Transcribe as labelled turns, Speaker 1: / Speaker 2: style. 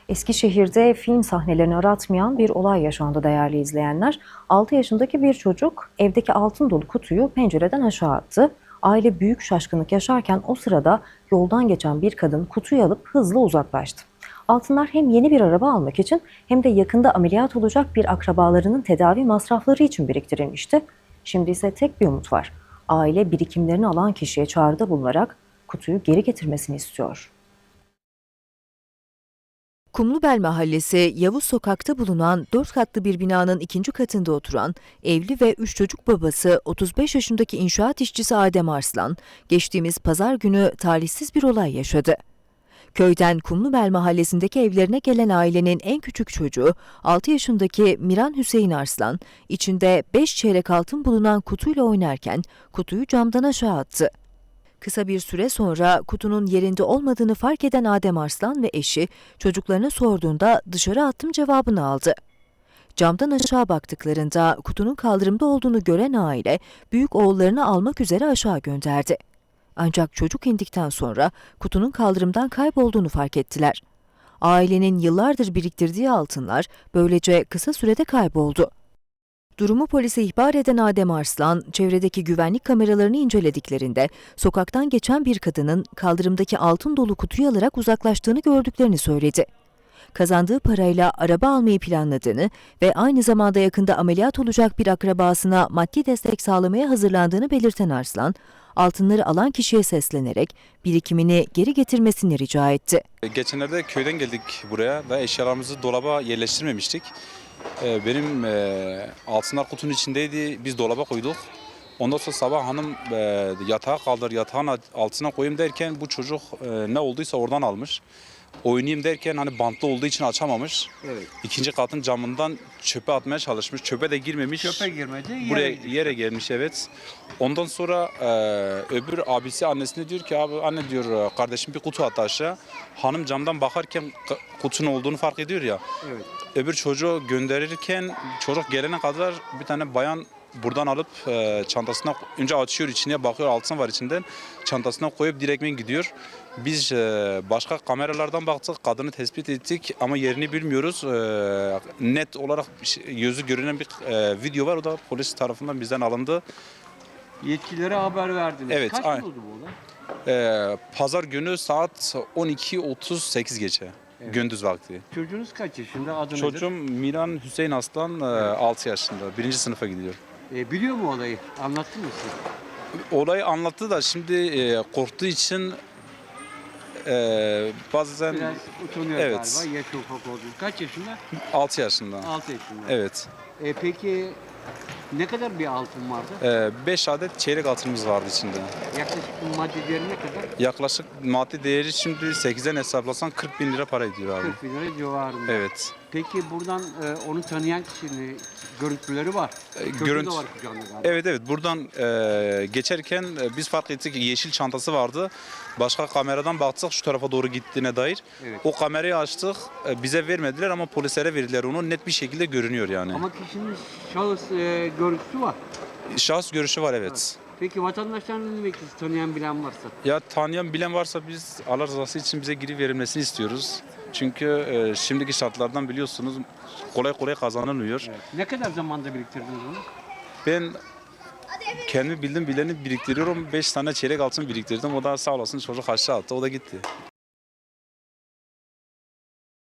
Speaker 1: Eskişehir'de film sahnelerini aratmayan bir olay yaşandı değerli izleyenler. 6 yaşındaki bir çocuk evdeki altın dolu kutuyu pencereden aşağı attı. Aile büyük şaşkınlık yaşarken o sırada yoldan geçen bir kadın kutuyu alıp hızla uzaklaştı. Altınlar hem yeni bir araba almak için hem de yakında ameliyat olacak bir akrabalarının tedavi masrafları için biriktirilmişti. Şimdi ise tek bir umut var. Aile birikimlerini alan kişiye çağrıda bulunarak kutuyu geri getirmesini istiyor.
Speaker 2: Kumlubel Mahallesi Yavuz Sokak'ta bulunan 4 katlı bir binanın ikinci katında oturan evli ve 3 çocuk babası 35 yaşındaki inşaat işçisi Adem Arslan, geçtiğimiz pazar günü talihsiz bir olay yaşadı. Köyden Kumlubel Mahallesi'ndeki evlerine gelen ailenin en küçük çocuğu 6 yaşındaki Miran Hüseyin Arslan, içinde 5 çeyrek altın bulunan kutuyla oynarken kutuyu camdan aşağı attı. Kısa bir süre sonra kutunun yerinde olmadığını fark eden Adem Arslan ve eşi çocuklarına sorduğunda dışarı attım cevabını aldı. Camdan aşağı baktıklarında kutunun kaldırımda olduğunu gören aile büyük oğullarını almak üzere aşağı gönderdi. Ancak çocuk indikten sonra kutunun kaldırımdan kaybolduğunu fark ettiler. Ailenin yıllardır biriktirdiği altınlar böylece kısa sürede kayboldu. Durumu polise ihbar eden Adem Arslan, çevredeki güvenlik kameralarını incelediklerinde sokaktan geçen bir kadının kaldırımdaki altın dolu kutuyu alarak uzaklaştığını gördüklerini söyledi. Kazandığı parayla araba almayı planladığını ve aynı zamanda yakında ameliyat olacak bir akrabasına maddi destek sağlamaya hazırlandığını belirten Arslan, altınları alan kişiye seslenerek birikimini geri getirmesini rica etti.
Speaker 3: Geçenlerde köyden geldik buraya ve eşyalarımızı dolaba yerleştirmemiştik. Benim altınlar kutunun içindeydi. Biz dolaba koyduk. Ondan sonra sabah hanım yatağa kaldır, yatağın altına koyayım derken bu çocuk ne olduysa oradan almış. Oynayayım derken hani bantlı olduğu için açamamış.
Speaker 4: Evet.
Speaker 3: İkinci katın camından çöpe atmaya çalışmış. Çöpe de girmemiş.
Speaker 4: Çöpe girmedi.
Speaker 3: Buraya yere gelmiş, evet. Ondan sonra öbür abisi annesine diyor ki abi anne diyor kardeşim bir kutu attı aşağı. Hanım camdan bakarken kutunun olduğunu fark ediyor ya.
Speaker 4: Evet.
Speaker 3: Öbür çocuğu gönderirken çocuk gelene kadar bir tane bayan buradan alıp çantasına önce açıyor, içine bakıyor, altın var içinden, çantasına koyup direktmen gidiyor. Biz başka kameralardan baktık, kadını tespit ettik ama yerini bilmiyoruz. Net olarak yüzü görünen bir video var, o da polis tarafından bizden alındı.
Speaker 4: Yetkililere haber verdiniz.
Speaker 3: Evet,
Speaker 4: Kaç
Speaker 3: aynen.
Speaker 4: yıl oldu bu olay?
Speaker 3: Pazar günü saat 12:38 geçe.
Speaker 4: Evet.
Speaker 3: Gündüz vakti.
Speaker 4: Çocuğunuz kaç yaşında? Adı
Speaker 3: Çocuğum Miran Hüseyin Aslan 6 yaşında. 1. sınıfa gidiyor.
Speaker 4: nedir? Biliyor mu olayı? Anlattı mı size?
Speaker 3: Olayı anlattı da şimdi korktuğu için bazen
Speaker 4: Biraz utanıyor
Speaker 3: evet.
Speaker 4: galiba. Yaş ufak olduğu. Kaç yaşında?
Speaker 3: 6 yaşında.
Speaker 4: 6 yaşında.
Speaker 3: Evet.
Speaker 4: Peki ne kadar bir altın vardı?
Speaker 3: 5 adet çeyrek altınımız vardı içinde.
Speaker 4: Yaklaşık maddi değeri ne kadar?
Speaker 3: Yaklaşık maddi değeri şimdi 8'den hesaplasan 40 bin lira para ediyor abi.
Speaker 4: 40 bin lira civarında.
Speaker 3: Evet.
Speaker 4: Peki buradan onu tanıyan kişinin görüntüleri var. Çocuğu
Speaker 3: Görüntü.
Speaker 4: da var kucağında galiba.
Speaker 3: Evet buradan geçerken biz fark ettik ki yeşil çantası vardı. Başka kameradan baktık şu tarafa doğru gittiğine dair.
Speaker 4: Evet.
Speaker 3: O kamerayı açtık. Bize vermediler ama polislere verdiler onu. Net bir şekilde görünüyor yani.
Speaker 4: Ama kişinin şahıs görüntüsü var.
Speaker 3: Şahıs görüşü var, evet.
Speaker 4: Peki vatandaşların ne demek tanıyan bilen varsa?
Speaker 3: Ya tanıyan bilen varsa biz Allah rızası için bize geri verilmesini istiyoruz. Çünkü şimdiki şartlardan biliyorsunuz kolay kolay kazanılmıyor.
Speaker 4: Evet. Ne kadar zamanda biriktirdiniz bunu?
Speaker 3: Ben kendi bildiğim bileni biriktiriyorum. 5 tane çeyrek altın biriktirdim. O da sağ olasın çocuk aşağı attı. O da gitti.